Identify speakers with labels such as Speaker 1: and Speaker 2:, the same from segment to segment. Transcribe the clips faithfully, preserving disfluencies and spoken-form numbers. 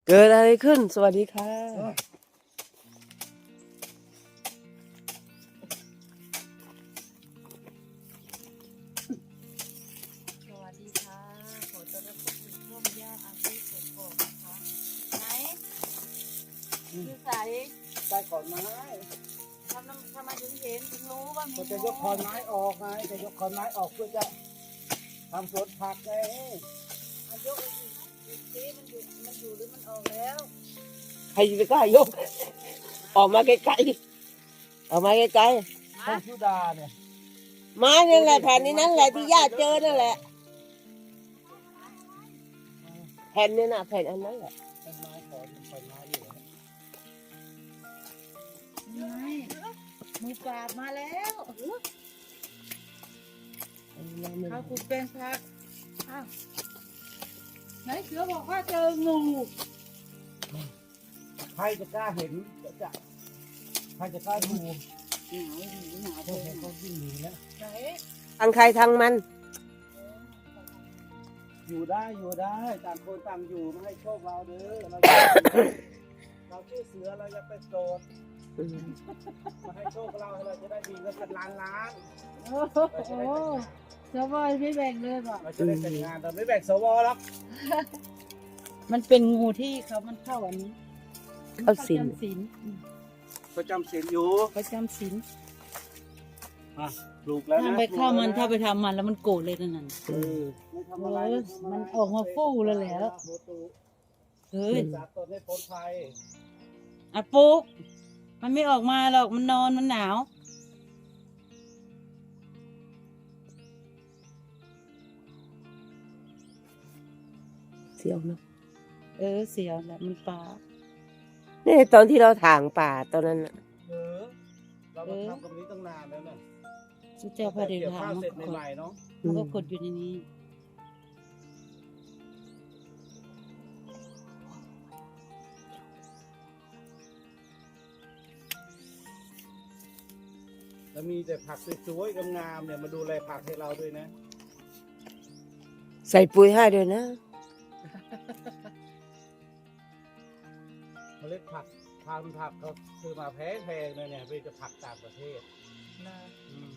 Speaker 1: เกิดอะไรขึ้นสวัสดีค่ะ
Speaker 2: สวัสดีค่ะขอต้อนรับเข้าสู่ช่องย่าอาชีพกบนะคะไหนคือใส่
Speaker 3: ใต้ขอนไม้
Speaker 2: ทำน้ำทำไมถึงเห็นถึงรู้ว่ามี
Speaker 3: ก็จะยกขอนไม้ออกไงจะยกขอนไม้ออกเพื่อจะทำสวนผักไง
Speaker 2: มันยกอีกอีกทีมันอยู่มันอยู่หรือมันออกแล้ว
Speaker 1: ใครจะไปกล้ายกออกมาไกลๆออกมาไกล
Speaker 3: ต้นชุดาเนี่ย
Speaker 1: ๆไม้นั่นแหละแผ่นนี้นั่นแหละที่ย่าเจอนั่นแหละแผ่นนี่นะแผ่นอันนั้นแหละ
Speaker 3: ต้นไม้ขอนขอนไม้อยู่นะ
Speaker 2: ไม่มือปราบมาแล้วเขาขุดเป็นพักอ้าวไหนเสือบอกว่าเจองู
Speaker 3: ใครจะกล้าเห็นจะจะใครจะกล้าดู
Speaker 2: หนาวหนาว
Speaker 3: พวกเขาวิ่งหนีแล้ว
Speaker 2: ไหน
Speaker 1: ทางใครทางมัน
Speaker 3: อยู่ได้อยู่ได้ต่างคนต่างอยู่ไม่ให้โชคเราเด้อเราเราชื่อเสือเราจะไปโกรธมาให้โชคเราเราจะได้ดีกันเป็นล้านล้าน
Speaker 2: โอ้โหเสือบอยไม่แบ่งเลยป่ะ
Speaker 3: เราจะได้แต่งงานแต่ไม่แบ่งสวหรอก
Speaker 2: มันเป็นงูที่เขามันเข้าอันนี้
Speaker 1: เข้าสิน
Speaker 2: ประจำศีล
Speaker 3: ประจำศีลอยู่
Speaker 2: ประจำศีล
Speaker 3: อ่ะปลูกแล้ว
Speaker 2: ถ้า
Speaker 3: นะ
Speaker 2: ไปเข้ามันถ้าไปทำมันแล้วมันโกรธเลยนั่นน่ะ
Speaker 3: เออไม่ทำ
Speaker 2: เอ
Speaker 3: อะไร
Speaker 2: อมันออกมาฟู่แล้วแหละเฮ้ย
Speaker 3: สาตนให้พ้นภัย
Speaker 2: อะปุ๊กมันไม่ออกมาหรอกมันนอนมันหนาว
Speaker 1: เสียวเนาะ
Speaker 2: เออเสียวแหละมันป่า
Speaker 1: นี่ตอนที่เราถางป่าตอนนั้นน่ะ
Speaker 3: เออเรามาทำตรงนี้ตั้งนานแล้วน่ะ
Speaker 2: สุเจ้าพระเดช
Speaker 3: เกี่ยว
Speaker 2: พระ
Speaker 3: ข้าว
Speaker 2: มัน
Speaker 3: เสร็จ
Speaker 2: ก็กด
Speaker 3: ใหม่ๆเนาะ
Speaker 2: มันก็กดอยู่ในนี้
Speaker 3: แล้วมีแต่ผักสวยๆงามๆเนี่ยมาดูแลผักให้เราด้วยนะ
Speaker 1: ใส่ปุ๋ยให้ด้วยนะ
Speaker 3: เมล็ดผักพันธุ์ผักเขาซื้อมาแพงๆเลยเนี่ยเป็นจะผักต่างประเทศอืม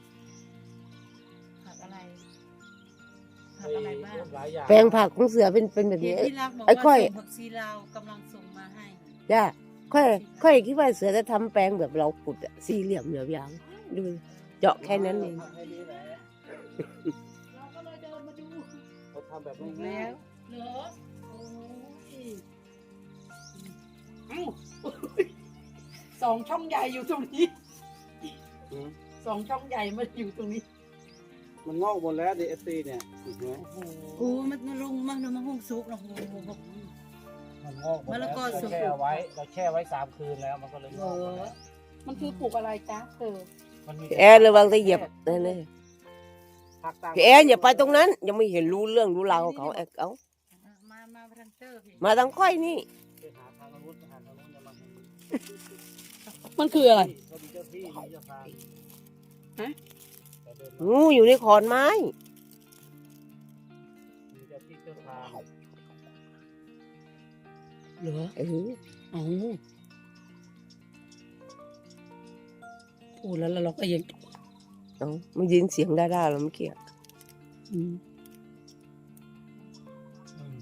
Speaker 2: ผักอะไรผักอะไรบ้าง
Speaker 3: หลายอย่าง
Speaker 1: แปลงผักของเสือเป็นเป็นแบบ
Speaker 2: เห็
Speaker 1: นี้
Speaker 2: นที่รักบอก
Speaker 1: ไอ้
Speaker 2: ว่า
Speaker 1: ค่อย
Speaker 2: ส่งผักชีลาวกำลังส่งมาให้
Speaker 1: ย่าค่อยค่อยคิดว่าเสือจะทำแปลงแบบเราขุดอะสี่เหลี่ยมเหลี่ยมยาวดูเจาะแค่นั้นเอง
Speaker 3: ผักให้ดีแหละ
Speaker 2: เราก็เลยเดินมาดู
Speaker 3: เขาทำแบบ
Speaker 2: ถูก
Speaker 3: ง่า
Speaker 2: แล้
Speaker 3: ยว
Speaker 2: เหรอโอ้ย
Speaker 4: เอ้าสองช่องใหญ่อยู่ตรงนี้
Speaker 3: ๆอืม
Speaker 4: สองช่องใหญ่มาอยู่ตรงนี้
Speaker 3: มันงอกหมดแล้วดีเอสซีเนี่ยเห็นไหม
Speaker 2: โอ้มันมันลงมาลงมาห้องซุกนะโอ้โห
Speaker 3: มันงอกหมด
Speaker 2: มะ
Speaker 3: แล้
Speaker 2: ละ
Speaker 3: ว
Speaker 2: กอสุก
Speaker 3: แช่ไว้เราแช่ไว้สามคืนแล้วมันก็เลยงอกหมดแล้ว
Speaker 4: มันคือปลูกอะไรจ๊ะเธอ
Speaker 3: มันมี
Speaker 1: พี่แอนระวังจะเหยียบนั่นเลย
Speaker 3: ผักต่าง
Speaker 1: พี่แอนอย่าไปตรงนั้น ยังไม่เห็นรู้เรื่องรู้ราวของเขาแอกเอา
Speaker 2: มามาทางเตอร์พี่
Speaker 1: มาทางค่อยนี่
Speaker 3: ไปหาทางนู้นไปหาทางนู้นจะมาทางนี้
Speaker 4: มันคืออะไร
Speaker 3: เขามีเจ้าที่มีเจ้าทาง
Speaker 4: ฮะ
Speaker 3: แต่เดินมา
Speaker 1: งูอยู่ในขอนไม้
Speaker 3: มีเจ้าที่เจ้าทาง
Speaker 4: เหรอ
Speaker 1: เออ
Speaker 4: อ๋อพูดแล้วแล้วเราก็ยัง
Speaker 1: เอามันยินเสียงด้าๆแล้วเมื่อกี้อะ
Speaker 4: อืม
Speaker 3: อืม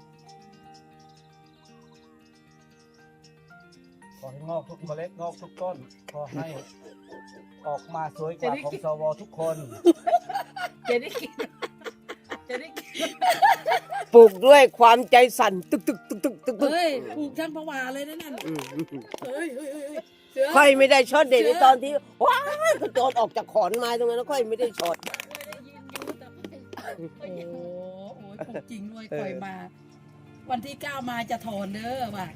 Speaker 3: ขอให้งอกทุกเมล็ดงอกทุกต้นขอให้ออกมาสวยกว่าของสวทุกคน
Speaker 4: จะได้กิน จะได้กิน
Speaker 1: ปลูกด้วยความใจสั่นตึกตึกตึกตึกตึกตึก
Speaker 4: เฮ้ยปลูกทั้งพวาเลยนะนั่น
Speaker 1: อืม
Speaker 4: เฮ้ยเฮ้ยเฮ้ยเฮ้ยเสือ
Speaker 1: ค่อยไม่ได้ช็อตเด็ดในตอนที่ว้ายกระโจนออกจากขอนไม้ตรงนั้นแล้วค่อยไม่ได้ช็อต
Speaker 4: ได้ยินอยู่แต่ไม่โอ้โหโอ้ยปลูกจริงด้วยปล่อยมา วันที่เก้ามาจะถอนเด้อว่ะ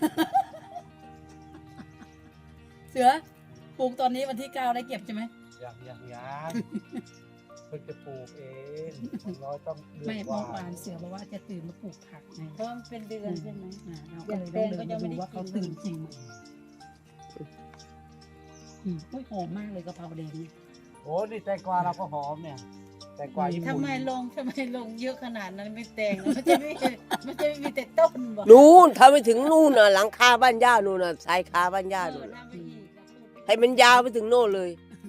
Speaker 4: เสือปลูกตอนนี้วันที่เก้าได้เก็บใช่ไหม
Speaker 3: อย่างอย่างอย่างเพิ่งจะปลูกเองน้อยต้องเดือ
Speaker 4: ไม่
Speaker 3: นก
Speaker 4: เมื่
Speaker 3: ว่า
Speaker 4: อวานเสือบอกว่าจะตื่นมาปลูกผักไง
Speaker 2: เพราะมันเป็นเดือนใช่ไหม
Speaker 4: อ่าเราก็เลยต้องเดินมาดูว่าเขาตื่นจริงไหมอืมอุ้ยหอมมากเลยกะเพราแดงนี่
Speaker 3: โอ้นี่แตงกวาเราก็หอมเนี่ย แตงกวาญี่ปุ่น
Speaker 2: ทำไมลงทำไมลงเยอะขนาดนั้นไม่แต่งมันจะไม่มันจะไม่มีแต่ต้นบอก
Speaker 1: นู่นถ้าไปถึงนู่นน่ะหลังคาบ้านย่านู่นน่ะชายคาบ้านย่า
Speaker 2: เอ
Speaker 1: นู่
Speaker 2: อน
Speaker 1: น่ะ
Speaker 2: ทำไปอีกนะพูดไป
Speaker 1: ให้มันยาวไปถึงโน่นเลย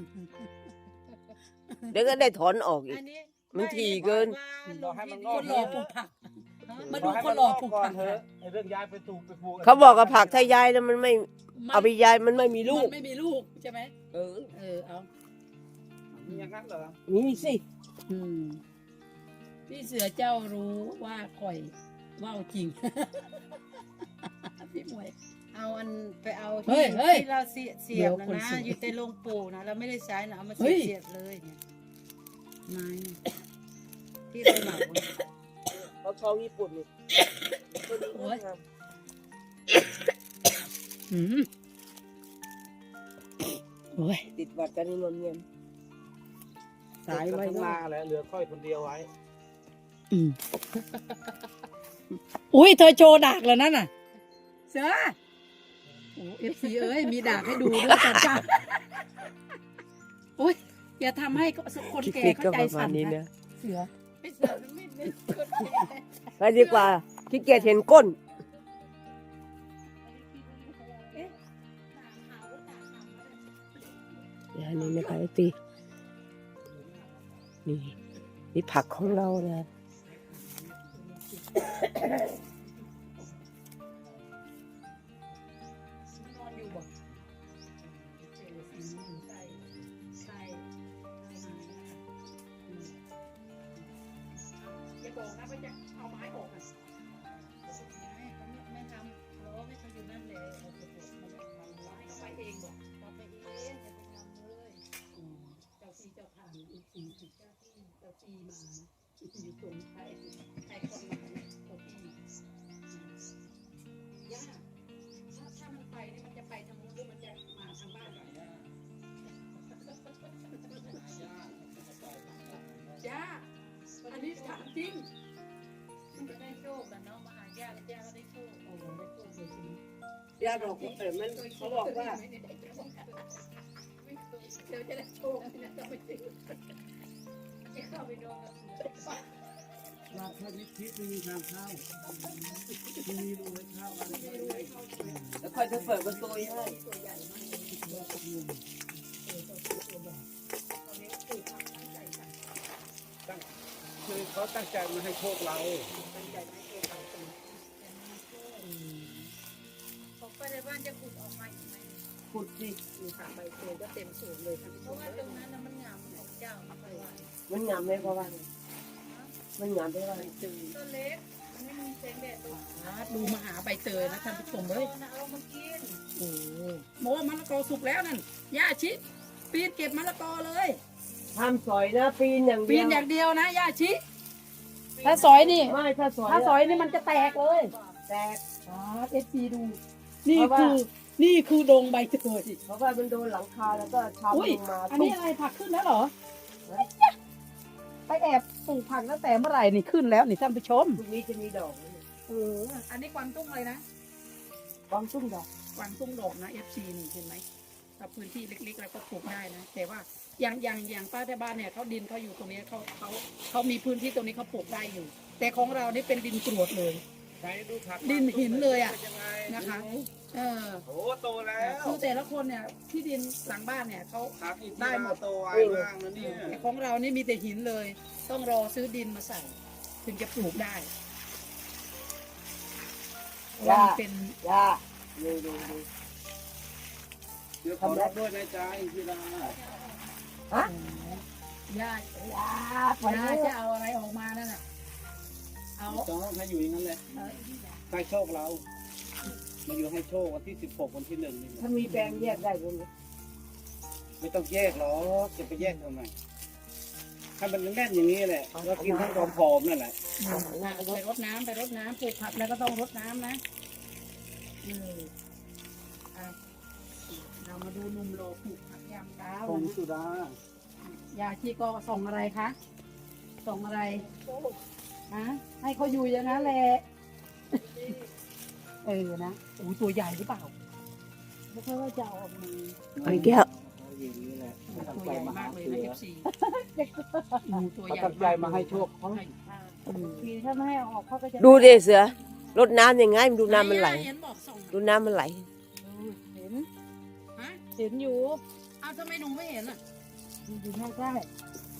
Speaker 1: เดี๋ยวก็ได้ถอนออกอีก
Speaker 2: อันนี้
Speaker 1: มันถี่เกิน
Speaker 3: รอให้มันง
Speaker 4: ค
Speaker 3: อก
Speaker 4: นรอปลูกผัก มาดู
Speaker 3: รอให้
Speaker 4: ค
Speaker 3: มัน น
Speaker 4: ร
Speaker 3: ง
Speaker 4: อ
Speaker 3: อก
Speaker 4: ปลูก
Speaker 3: ก่อ
Speaker 4: ผั
Speaker 3: น
Speaker 4: ก
Speaker 3: เถอะไอ้เรื่องย้ายไปถูกไปปลูก
Speaker 1: เขาบอกกับผักถ้ายายแล้วมันไม่เอาไปยายมันไม่มีลู
Speaker 4: มั
Speaker 1: ก
Speaker 4: นไม่มีลูกใช่ไหม
Speaker 1: เออ
Speaker 4: เออเอา
Speaker 3: มีอย่างนั้นเหรอ
Speaker 1: มีสิ
Speaker 4: อืมพี่เสือเจ้ารู้ว่าข่อยว่าวจริง พี่หมวย
Speaker 2: เอาอันไปเอา
Speaker 4: เฮ้
Speaker 2: ที่
Speaker 4: ยเฮ้ย
Speaker 2: ที่เราเสียเสียบ
Speaker 4: เดี๋ยว
Speaker 2: นะ
Speaker 4: คน
Speaker 2: นะ
Speaker 4: สวย
Speaker 2: อยู่ในโรงปู่นะเราไม่ได้ใช้นะเอามา
Speaker 4: เฮ้
Speaker 2: เสีย
Speaker 4: ย
Speaker 2: บเสียบเลยเนี่ยไม้เนี่ยที่เราเหมาเนี่ย
Speaker 1: เขาทองญี่ปุ่นนี่
Speaker 4: โอ้ยอืมโอ้ย
Speaker 1: ติดบัตรกันนี่นนเงียน
Speaker 4: สายไว้
Speaker 3: ทั้ง
Speaker 4: ก็
Speaker 3: นาแหละเหลือค่อยคนเดียวไว้
Speaker 4: อืมอุ้ยเธอโชว์ดากแล้วนั่นน่ะ เสือโอ้เอฟซีเอ้ยมีดากให้ดูด้วยจ้าจ้าโอ้ยอย่าทำให้คน
Speaker 1: คลิป
Speaker 4: แก่
Speaker 1: นี้ก็
Speaker 4: เข้าใจ
Speaker 1: ประมา
Speaker 4: สั่
Speaker 1: ณ
Speaker 4: น
Speaker 1: นี้
Speaker 4: นะ
Speaker 1: นะ
Speaker 4: เสือ
Speaker 2: ไม่เสียบไม่ไม่คนแก่
Speaker 1: ไปดีกว่าขี้เกียจเห็นก้น
Speaker 2: เอ๊ะตาขาวตาขาวมาเลย
Speaker 1: อย่างนี้นะคะไอตีนี่นี่ผักของเรานะ
Speaker 4: นอนอยู่บอกเจอสีอยู่ใต้ใต้อย่าบอกนะว่าจะเอาไม้ออกอ่ะ
Speaker 2: ไม่เขาไม่ไม่ทำล้อไม่เขาอยู่นั่นเลยเอาไปปลูกมันจะทำร้าย
Speaker 4: เอาไปเองบอก
Speaker 2: เอาไปเองจะไปทำเลย
Speaker 4: เจ้าที่เจ้าทางอีกสี่สิบเจ้าที่เจ้าที่มานะอยู่ตรงใครใครคนมาเนี่ยเจ้าที่ย่าถ้าถ้ามันไปเนี่ยมันจะไปทางนู้นหรือมันจะมาทางบ้านเราย่าอันนี้ถามจริง
Speaker 2: มันจะได้โชคกันเนาะมาหาญาติแล้วญาติก็ได้โชค
Speaker 4: โอ้โหได้โชคเลยจริง
Speaker 1: ย่าบอกเออมันเขาบอกว่า
Speaker 4: เดี๋ยวจะได้โชคนะจะไปซื้อ
Speaker 2: จะเข้าไปโดนกับเสือ
Speaker 3: ราชนิทิไม่มีทางเข้าไม่มีรูให้เข้าอะไรไม่รู้
Speaker 1: แล้วค่อยจะเปิดประตูให้
Speaker 4: ตัวใหญ่มากเลยเออตัวตัวใหญ่ตอนนี้ปลูกผักตั้งใจสั่ง
Speaker 3: ตั้งคือเขาตั้งใจมาให้โชคเรา
Speaker 4: ตั้งใจไม่โชคเราตรง
Speaker 2: ของไปในบ้านจะขุดออกมาอีกไหม
Speaker 1: ขุดสิ
Speaker 4: มีผักใบเตยก็เต็มสวนเลยท่านผู้
Speaker 2: เพ
Speaker 4: ช
Speaker 2: ราะ
Speaker 4: ม
Speaker 2: ว่าตรงนั้นน่ะมันงามของเจ้าไม่ค่อยว่า
Speaker 1: มันงามไหมเพราะว่ามันงามได้ว่า
Speaker 4: ใบเตย
Speaker 2: ต้นเล็กมันไม่มีแสงแดดตรง
Speaker 4: ดูมาหาใบเตยนะท่านผู้ชมเลย
Speaker 2: นะเอามากิน
Speaker 1: โอ้
Speaker 4: โมมะละกอสุกแล้วนั่นย่าชิปีนเก็บมะละกอเลย
Speaker 1: ทำสอยนะปีนอย่างเดี
Speaker 4: ปี
Speaker 1: ย
Speaker 4: น
Speaker 1: ว
Speaker 4: อย่างเดียวนะย่าชิถ้าสอยนี่
Speaker 1: ไม่ถ้าสอย
Speaker 4: ถ้าสอยนี่มันจะแตกเลย
Speaker 1: แตก
Speaker 4: อ๋อเอฟซีดู นี่
Speaker 1: เพราะว่า
Speaker 4: คือนี่คือดงใบเตย
Speaker 1: เพราะว่ามันโดนหลังคาแล้วก็ชาว
Speaker 4: อุ้ย
Speaker 1: ลงมา
Speaker 4: อันนี้อะไรผักขึ้นแล้วเหรอไปแอบปลูกผักตั้งแต่เมื่อไหร่นี่ขึ้นแล้วนี่ท่านผู้ชม
Speaker 1: พรุ่งนี้จะมีดอกนะเนี่ย
Speaker 4: เอออันนี้กวางตุ้งเลยนะ
Speaker 1: บางตุ้งดอก
Speaker 4: กวางตุ้งดอกนะเอฟซีนี่เห็นไหมถ้าพื้นที่เล็กๆเราก็ปลูกได้นะแต่ว่าอย่างอย่างอย่างป้าที่บ้านเนี่ยเขาดินเขาอยู่ตรงนี้เขาเขาเขามีพื้นที่ตรงนี้เขาปลูกได้อยู่ แต่ของเรานี่เป็นดินกรวดเลย
Speaker 3: ใช้ดูผัก
Speaker 4: ดินหินเลยอะ
Speaker 3: ป็ยังไง
Speaker 4: นะคะ เออ
Speaker 3: โอ้โตแล้ว
Speaker 4: คือแต่ละคนเนี่ยที่ดินหลังบ้านเนี่ยเขา
Speaker 3: ผักอีก
Speaker 4: ได้หมด
Speaker 3: โตไวมากนะเนี่ย
Speaker 4: แต่ของเรานี่มีแต่หินเลย ต้องรอซื้อดินมาใส่ ถึงจะปลูกได้เพราะว่ามันเป็น
Speaker 1: ย่าดูดูดู
Speaker 3: เดี๋ยวขอรับด้วยนะจ๊ะอินทิรา
Speaker 1: ฮะ
Speaker 4: หญ้า
Speaker 1: ย่าไป
Speaker 4: หญ้า
Speaker 1: เลย
Speaker 4: จะเอาอะไรออกมานั่นน่ะเอา
Speaker 3: ต้องให้อยู่อย่างนั้นเลย
Speaker 4: เออ
Speaker 3: ให้โชคเรา มาอยู่ให้โชควันที่สิบหกวันที่หนึ่งนี่
Speaker 1: ถ้ามีแปลงแยกได้ด้วยนะ
Speaker 3: ไม่ต้องแยกหรอกจะไปแยกทำไมให้มันแน่นอย่างนี้แหละเรากินทั้งความผอมนั่นแหละ
Speaker 4: ไปรดน้ำไปรดน้ำปลูกผักแล้วก็ต้องรดน้ำนะเอออ่ะเรามาดูหนุ่มโลปลูกผักยามเช้า
Speaker 3: ผง
Speaker 4: นะ
Speaker 3: สุดาย
Speaker 4: าชีก็ส่งอะไรคะส่งอะไรฮะให้เขาอยู่อย่างนั้นแหละเออนะโอ้ตัวใหญ่หรือเปล่าไม่ค่อยว่าจะเอาออกมา
Speaker 1: ไอ้แก้ว
Speaker 3: เอาอย่างนี้แหละตั้ง
Speaker 4: ตัว
Speaker 3: ใจ
Speaker 4: ใหญ่
Speaker 3: มาหาม
Speaker 4: ากเลย
Speaker 3: เสื
Speaker 4: นะ
Speaker 3: อ
Speaker 4: เอฟซีงูตัว
Speaker 3: เขา
Speaker 4: ใหญ่
Speaker 3: ตั้งใจมาให้โชคเขา
Speaker 2: ใช่ทีถ้าไม่ให้ออกเขาก็จะ
Speaker 1: ดูดิเสือรดน้ำยังไงดูน้ำมันไหล
Speaker 4: เห็นบอกส่ง
Speaker 1: ดูน้ำมันไหล
Speaker 2: เห็น
Speaker 4: ฮะ
Speaker 2: เห็นอยู่
Speaker 4: อ้าวทำไมหนูไม่เห็นอ่ะ
Speaker 2: อยู่ใกล้